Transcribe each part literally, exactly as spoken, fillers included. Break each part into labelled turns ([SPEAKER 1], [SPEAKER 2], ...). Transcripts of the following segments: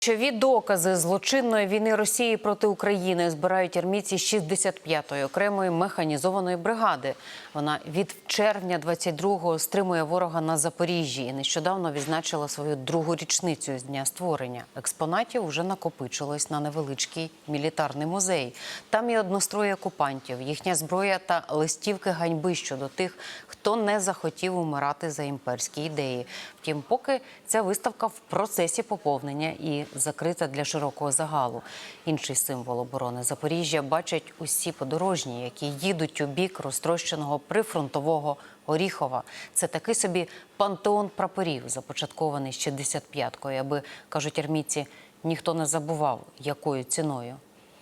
[SPEAKER 1] Ключові докази злочинної війни Росії проти України збирають армійці шістдесят п'ятої окремої механізованої бригади. Вона від червня двадцять другого стримує ворога на Запоріжжі і нещодавно відзначила свою другу річницю з дня створення. Експонатів вже накопичилось на невеличкий мілітарний музей. Там і однострої окупантів, їхня зброя та листівки ганьби щодо тих, хто не захотів умирати за імперські ідеї. Втім, поки ця виставка в процесі поповнення і закрита для широкого загалу. Інший символ оборони Запоріжжя бачать усі подорожні, які їдуть у бік розтрощеного прифронтового Оріхова. Це такий собі пантеон прапорів, започаткований шістдесят п'яткою, аби, кажуть армійці, ніхто не забував, якою ціною.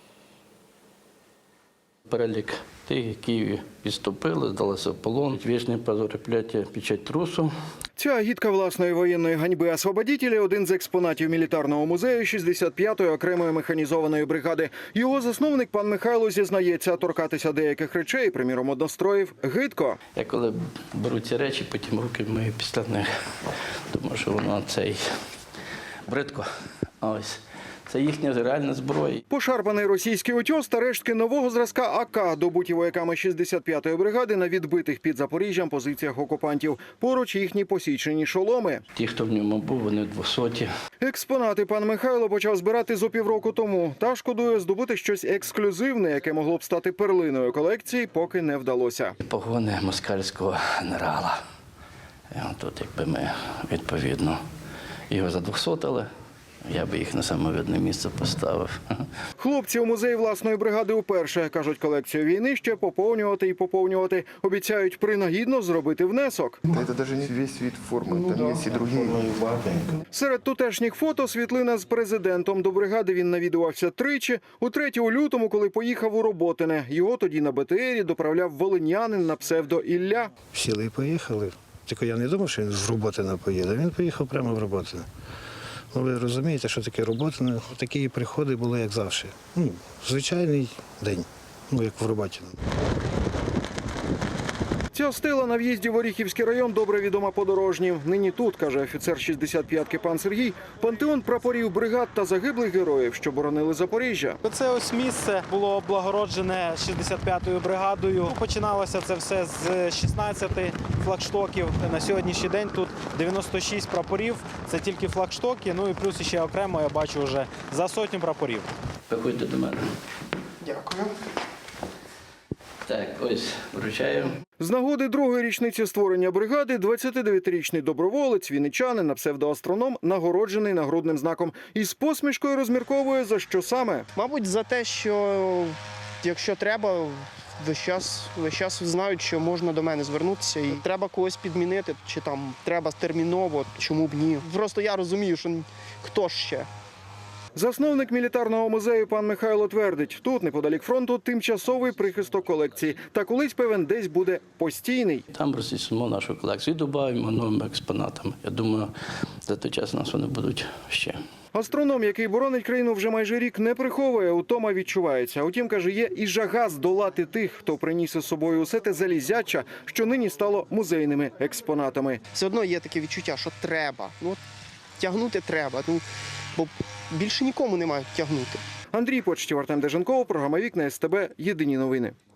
[SPEAKER 2] Перелік тих, які відступили, здалися в полон. Вічне позорепляття, печать трусу.
[SPEAKER 3] Ця агітка власної воєнної ганьби освободітелі – один з експонатів мілітарного музею шістдесят п'ятої окремої механізованої бригади. Його засновник, пан Михайло, зізнається, торкатися деяких речей, приміром одностроїв, гидко.
[SPEAKER 2] Я коли беру ці речі, потім руки мию після них. Думаю, що воно цей бридко. Ось. Це їхня реальна зброя.
[SPEAKER 3] Пошарпаний російський утьос та рештки нового зразка А К, добуті вояками шістдесят п'ятої бригади на відбитих під Запоріжжям позиціях окупантів. Поруч їхні посічені шоломи.
[SPEAKER 2] Ті, хто в ньому був, вони двохсоті.
[SPEAKER 3] Експонати пан Михайло почав збирати зо півроку тому. Та шкодує, здобути щось ексклюзивне, яке могло б стати перлиною колекції, поки не вдалося.
[SPEAKER 2] Погони москальського генерала. І тут, якби ми, відповідно, його задвохсотили, я би їх на самовидне місце поставив.
[SPEAKER 3] Хлопці у музеї власної бригади уперше. Кажуть, колекцію війни ще поповнювати і поповнювати. Обіцяють принагідно зробити внесок.
[SPEAKER 4] Це навіть не весь вид форми, там є і інші.
[SPEAKER 3] Серед тутешніх фото світлина з президентом. До бригади він навідувався тричі. Утретє у лютому, коли поїхав у Роботине. Його тоді на Б Т Рі доправляв волинянин на псевдо Ілля.
[SPEAKER 5] Сіли і поїхали. Тільки я не думав, що він з Роботина поїде. Він поїхав прямо в Роботине. Ну, ви розумієте, що таке Роботине? Такі приходи були, як завжди. Ну, звичайний день, ну, як в Роботине.
[SPEAKER 3] Ця стела на в'їзді в Оріхівський район добре відома подорожнім. Нині тут, каже офіцер шістдесят п'ятки пан Сергій, пантеон прапорів бригад та загиблих героїв, що боронили Запоріжжя.
[SPEAKER 6] Це ось місце було облагороджене шістдесят п'ятою бригадою. Починалося це все з шістнадцяти флагштоків. На сьогоднішній день тут дев'яносто шість прапорів. Це тільки флагштоки, ну і плюс ще окремо я бачу вже за сотню прапорів.
[SPEAKER 2] Приходьте до мене.
[SPEAKER 4] Дякую.
[SPEAKER 2] Так, ось, вручаю.
[SPEAKER 3] З нагоди другої річниці створення бригади двадцятидев'ятирічний доброволець, вінничанин на псевдоастроном, нагороджений нагрудним знаком. І з посмішкою розмірковує, за що саме.
[SPEAKER 7] Мабуть, за те, що якщо треба, весь час, весь час знають, що можна до мене звернутися. І треба когось підмінити, чи там треба терміново, чому б ні. Просто я розумію, що хто ж ще.
[SPEAKER 3] Засновник мілітарного музею пан Михайло твердить, тут, неподалік фронту, тимчасовий прихисток колекції. Та колись, певен, десь буде постійний.
[SPEAKER 2] Там розсісимо нашу колекцію і додаємо новими експонатами. Я думаю, за той час у нас вони будуть ще.
[SPEAKER 3] Астроном, який боронить країну вже майже рік, не приховує, утома відчувається. Утім, каже, є і жага здолати тих, хто приніс із собою усе те залізяча, що нині стало музейними експонатами.
[SPEAKER 7] Все одно є таке відчуття, що треба. Ну, тягнути треба, ну, бо більше нікому немає тягнути.
[SPEAKER 3] Андрій Почтів, Артем Деженков, програма «Вікна СТБ», єдині новини.